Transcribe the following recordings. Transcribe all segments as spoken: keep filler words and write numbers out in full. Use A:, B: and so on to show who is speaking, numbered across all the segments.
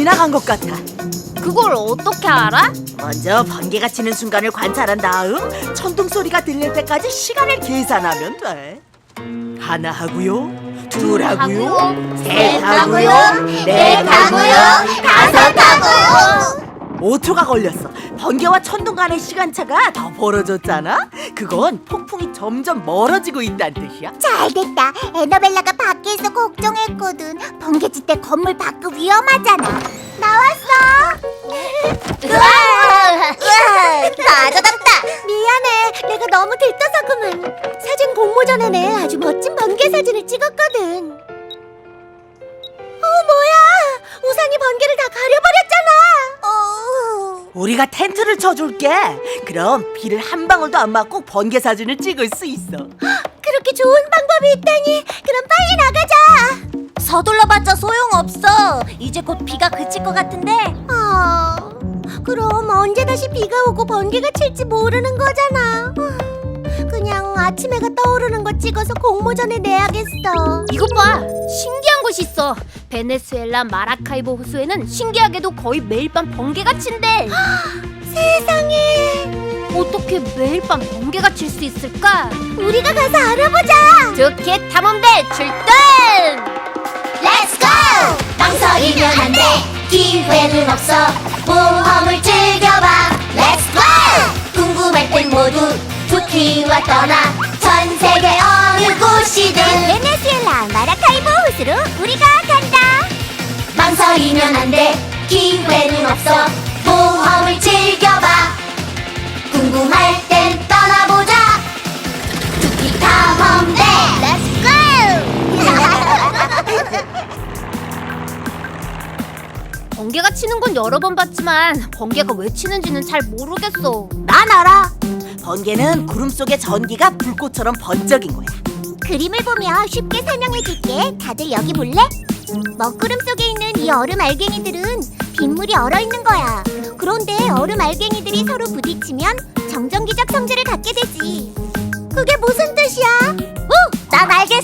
A: 지나간 것 같아.
B: 그걸 어떻게 알아?
A: 먼저 번개가 치는 순간을 관찰한 다음 천둥 소리가 들릴 때까지 시간을 계산하면 돼. 하나 하고요, 둘 하고요, 셋 하고요, 넷 하고요, 다섯 하고요. 오 초가 걸렸어. 번개와 천둥 간의 시간차가 더 벌어졌잖아. 그건 폭풍이 점점 멀어지고 있다는 뜻이야.
C: 잘됐다. 에너벨라가 밖에서 걱정했거든. 번개칠 때 건물 밖은 위험하잖아. 나왔어. 으아, 맞아졌다. 미안해. 내가 너무 들떠서구만. 사진 공모 전에 내 아주 멋진 번개 사진을 찍었거든. 어, 뭐야? 우산이 번개를 다 가려버렸잖아. 어...
A: 우리가 텐트를 쳐줄게. 그럼 비를 한 방울도 안 맞고 번개 사진을 찍을 수 있어.
C: 그렇게 좋은 방법이 있다니. 그럼 빨리 나가자.
B: 서둘러봤자 소용없어. 이제 곧 비가 그칠 것 같은데.
C: 아, 그럼 언제 다시 비가 오고 번개가 칠지 모르는 거잖아. 그냥 아침 해가 떠오르는 거 찍어서 공모전에 내야겠어.
B: 이것 봐, 신기한 곳이 있어. 베네수엘라 마라카이보 호수에는 신기하게도 거의 매일 밤 번개가 친대.
C: 세상에.
B: 어떻게 매일 밤 번개가 칠 수 있을까?
C: 우리가 가서 알아보자.
B: 좋게 탐험대 출동!
C: Let's go! 망설이면 안 돼. 기회는 없어. 모험을 즐겨봐. Let's go! 궁금할 땐 모두 도쿄와 떠나 전 세계 어느 곳이든 베네수엘라 마라카이보 호수로 우리가 간다. 망설이면 안 돼. 기회는 없어. 모험을 즐겨봐. 궁금할 땐 떠나보자. 도쿄 탐험대. Let's go!
B: 번개가 치는 건 여러 번 봤지만 번개가 왜 치는지는 잘 모르겠어.
A: 난 알아. 번개는 구름 속의 전기가 불꽃처럼 번쩍인 거야.
C: 그림을 보며 쉽게 설명해 줄게. 다들 여기 볼래? 먹구름 속에 있는 이 얼음 알갱이들은 빗물이 얼어있는 거야. 그런데 얼음 알갱이들이 서로 부딪히면 정전기적 성질을 갖게 되지. 그게 무슨 뜻이야? 오! 난 알겠어!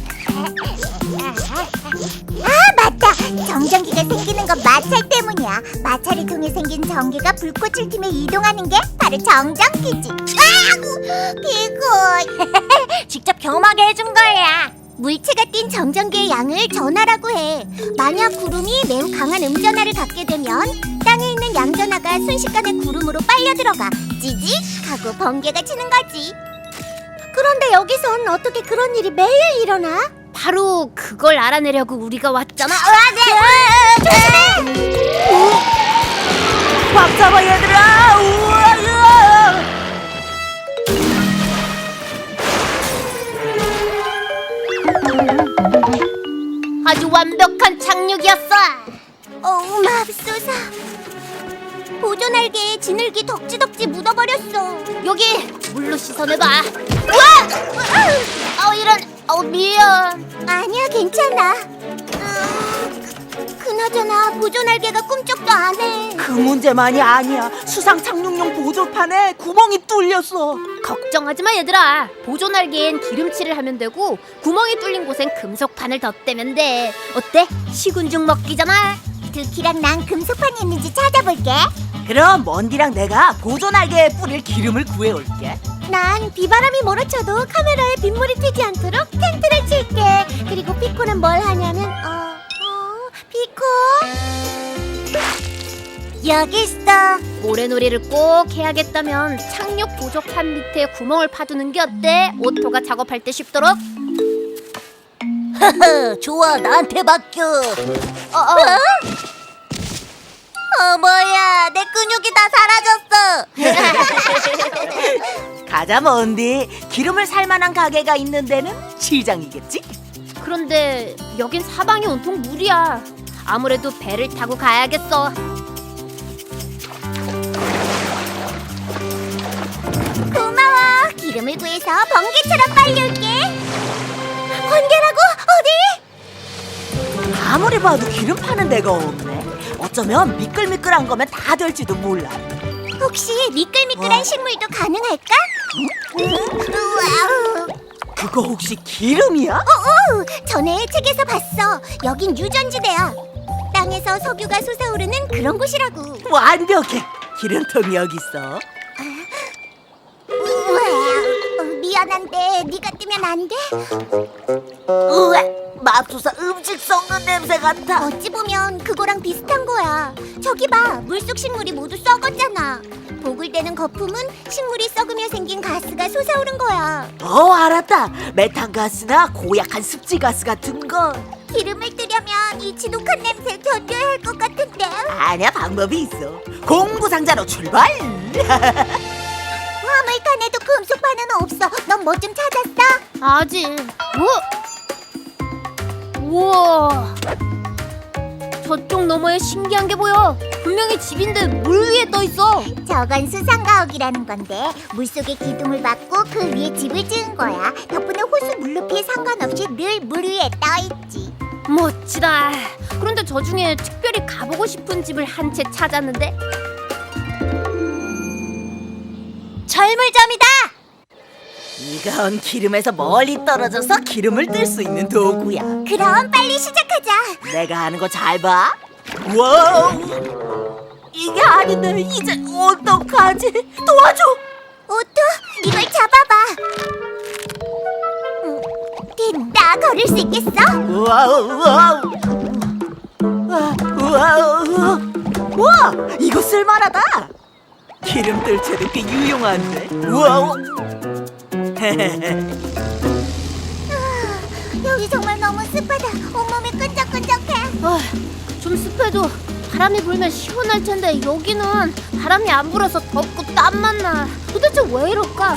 C: 아, 맞다! 정전기가 생기는 건 마찰 때문이야. 마찰을 통해 생긴 전기가 불꽃을 팀에 이동하는 게 바로 정전기지. 아! 비굴! 직접 경험하게 해준 거야. 물체가 띈 정전기의 양을 전하라고 해. 만약 구름이 매우 강한 음전하를 갖게 되면 땅에 있는 양전하가 순식간에 구름으로 빨려 들어가 찌직 하고 번개가 치는 거지. 그런데 여기선 어떻게 그런 일이 매일 일어나?
B: 바로 그걸 알아내려고 우리가 왔잖아.
C: 아, 네. 조심해!
A: 꽉 잡아 얘들아. 우와, 우와.
B: 아주 완벽한 착륙이었어.
C: 어우, 맙소사. 보존알개에 지늘기 덕지덕지 묻어버렸어.
B: 여기 물로 씻어내봐. 우와! 어 이런. 어 미안.
C: 아니야, 괜찮아. 음, 그나저나 보존알개가 꿈쩍도 안 해.
A: 그 문제만이 아니야. 수상 착륙용 보조판에 구멍이 뚫렸어.
B: 걱정하지 마 얘들아. 보존알개엔 기름칠을 하면 되고 구멍이 뚫린 곳엔 금속판을 덧대면 돼. 어때? 시군죽 먹기잖아.
C: 두키랑 난 금속판이 있는지 찾아볼게.
A: 그럼 먼디랑 내가 보존알개에 뿌릴 기름을 구해올게.
C: 난 비바람이 몰아쳐도 카메라에 빗물이 튀지 않도록 텐트를 칠게. 그리고 피코는 뭘 하냐면 어... 어... 피코? 여기 있어.
B: 모래놀이를 꼭 해야겠다면 착륙 보조판 밑에 구멍을 파두는 게 어때? 오토가 작업할 때 쉽도록.
C: 좋아, 나한테 맡겨.
B: 어, 어.
C: 어, 뭐야, 내 근육이 다 사라졌어.
A: 가자 먼디. 기름을 살만한 가게가 있는 데는 시장이겠지?
B: 그런데 여긴 사방이 온통 물이야. 아무래도 배를 타고 가야겠어.
C: 고마워. 기름을 구해서 번개처럼 빨리 올게. 번개라고? 어디?
A: 아무리 봐도 기름 파는 데가 없네. 어쩌면 미끌미끌한 거면 다 될지도 몰라.
C: 혹시 미끌미끌한
A: 어?
C: 식물도 가능할까? 우와.
A: 그거 혹시 기름이야?
C: 어, 어, 전에 책에서 봤어. 여긴 유전지대야. 땅에서 석유가 솟아오르는 그런 곳이라고.
A: 완벽해. 기름통이 여기 있어.
C: 우와, 어, 미안한데 네가 뜨면 안 돼?
A: 우와, 맙소사 음식 썩는 냄새 같아.
C: 어찌 보면 그거랑 비슷한 거야. 저기 봐, 물속 식물이 모두 썩었잖아. 보글대는 거품은 식물이 썩으며 생긴 가스가 솟아오른 거야.
A: 어, 알았다. 메탄가스나 고약한 습지가스 같은 거.
C: 기름을 뜨려면 이 지독한 냄새 견뎌야 할 것 같은데.
A: 아니야, 방법이 있어. 공부상자로 출발.
C: 화물칸에도 금속판은 없어. 넌 뭐 좀 찾았어?
B: 아직. 뭐? 우와. 저쪽 너머에 신기한 게 보여. 분명히 집인데 물 위에 떠 있어.
C: 저건 수상가옥이라는 건데 물속에 기둥을 막고 그 위에 집을 지은 거야. 덕분에 호수 물높이에 상관없이 늘 물 위에 떠있지.
B: 멋지다. 그런데 저 중에 특별히 가보고 싶은 집을 한 채 찾았는데.
C: 철물점이다.
A: 이건 기름에서 멀리 떨어져서 기름을 뜰 수 있는 도구야.
C: 그럼 빨리 시작하자.
A: 내가 하는 거 잘 봐. 와우, 이게 아닌데 이제 어떡하지? 도와줘.
C: 오토, 이걸 잡아봐. 음, 됐다. 걸을 수 있겠어?
A: 와우, 와우. 와, 와우. 와, 이거 쓸만하다. 기름 뜰 채도 꽤 유용한데. 와우.
C: 여기 정말 너무 습하다. 온몸이 끈적끈적해.
B: 아, 좀 습해도 바람이 불면 시원할 텐데 여기는 바람이 안 불어서 덥고 땀만 나. 도대체 왜 이럴까?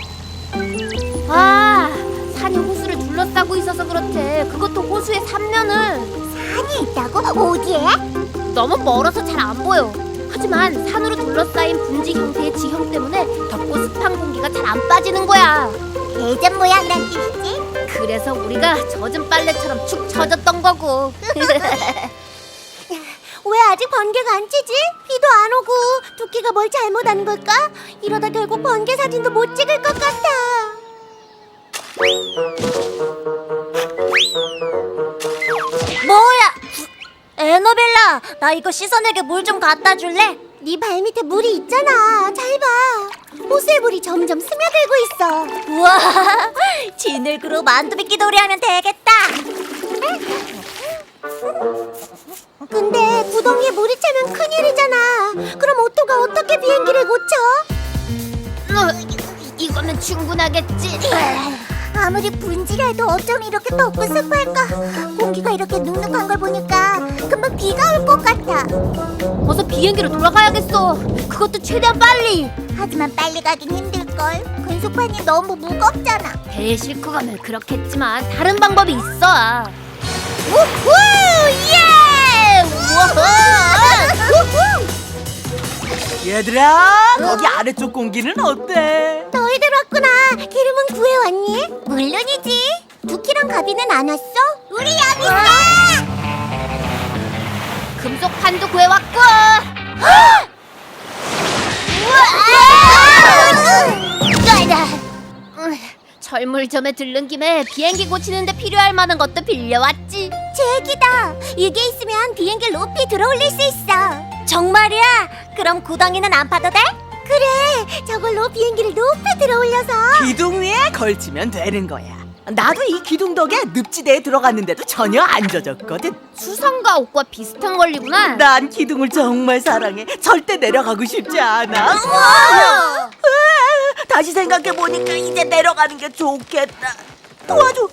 B: 아, 산이 호수를 둘러싸고 있어서 그렇대. 그것도 호수의 삼면을.
C: 산이 있다고? 어디에?
B: 너무 멀어서 잘 안 보여. 하지만 산으로 둘러싸인 분지 형태의 지형 때문에 덥고 습한 공기가 잘 안 빠지는 거야.
C: 대전 모양이란 뜻이지?
B: 그래서 우리가 젖은 빨래처럼 축 처졌던 거고.
C: 왜 아직 번개가 안 치지? 비도 안 오고 토끼가 뭘 잘못한 걸까? 이러다 결국 번개 사진도 못 찍을 것 같아. 뭐야? 에너벨라, 나 이거 씻어내게 물 좀 갖다 줄래? 네 발밑에 물이 있잖아. 잘 봐. 호수의 물이 점점 스며들고 있어. 우와, 지늘그룹 만두비끼 놀이하면 되겠다. 근데 구덩이에 물이 차면 큰일이잖아. 그럼 오토가 어떻게 비행기를 고쳐?
B: 어, 이거면 충분하겠지.
C: 아무리 분지라도 어쩜 이렇게 덥고 습할까? 공기가 이렇게 눅눅한 걸 보니까 금방 비가 올 것 같아.
B: 어서 비행기로 돌아가야겠어. 그것도 최대한 빨리.
C: 하지만 빨리 가긴 힘들걸. 근속판이 너무 무겁잖아.
B: 배에 싣고 가면 그렇겠지만 다른 방법이 있어.
C: 우후! 예! 우후!
A: 얘들아, 거기 아래쪽 공기는 어때?
C: 너희들 왔구나. 기름은 구해왔니? 물론이지. 두키랑 가비는 안 왔어? 우리 여기 있어!
B: 금속판도 구해왔고. 음, 철물점에 들른 김에 비행기 고치는데 필요할 만한 것도 빌려왔지.
C: 제기다. 이게 있으면 비행기 높이 들어올릴 수 있어. 정말이야? 그럼 구덩이는 안 파도 돼? 그래. 저걸로 비행기를 높이 들어올려서.
A: 기둥 위에 걸치면 되는 거야. 나도 이 기둥 덕에 늪지대에 들어갔는데도 전혀 안 젖었거든.
B: 수상과 옷과 비슷한 원리구나.
A: 난 기둥을 정말 사랑해. 절대 내려가고 싶지 않아.
C: 우와!
A: 으아, 다시 생각해보니까 이제 내려가는 게 좋겠다. 도와줘.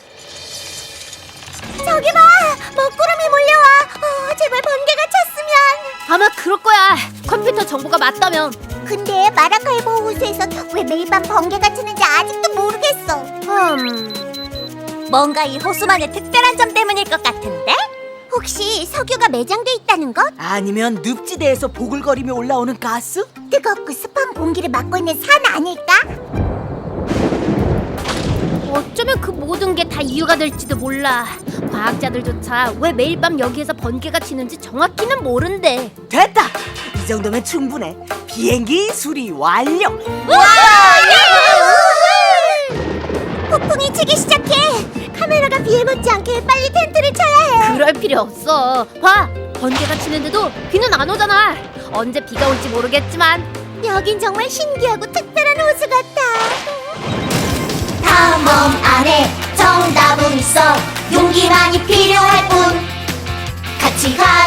C: 저기 봐. 먹구름이 몰려와. 어, 제발 번개가 찼으면.
B: 아마 그럴 거야. 컴퓨터 정보가 맞다면.
C: 근데 마라카이보 호수에서 왜 매일 밤 번개가 치는지 아직도 모르겠어.
B: 음,
C: 뭔가 이 호수만의 특별한 점 때문일 것 같은데? 혹시 석유가 매장돼 있다는 것?
A: 아니면 늪지대에서 보글거리며 올라오는 가스?
C: 뜨겁고 습한 공기를 막고 있는 산 아닐까?
B: 어쩌면 그 모든 게 다 이유가 될지도 몰라. 과학자들조차 왜 매일 밤 여기에서 번개가 치는지 정확히는 모른대.
A: 됐다. 이 정도면 충분해. 비행기 수리 완료.
C: 폭풍이 치기 시작해. 카메라가 비에 맞지 않게 빨리 텐트를 쳐야 해.
B: 그럴 필요 없어. 봐, 번개가 치는데도 비는 안 오잖아. 언제 비가 올지 모르겠지만
C: 여긴 정말 신기하고 특별한 호수 같아. 탐험 안에 정답은 있어. 용기만이 필요할 뿐. 같이 가.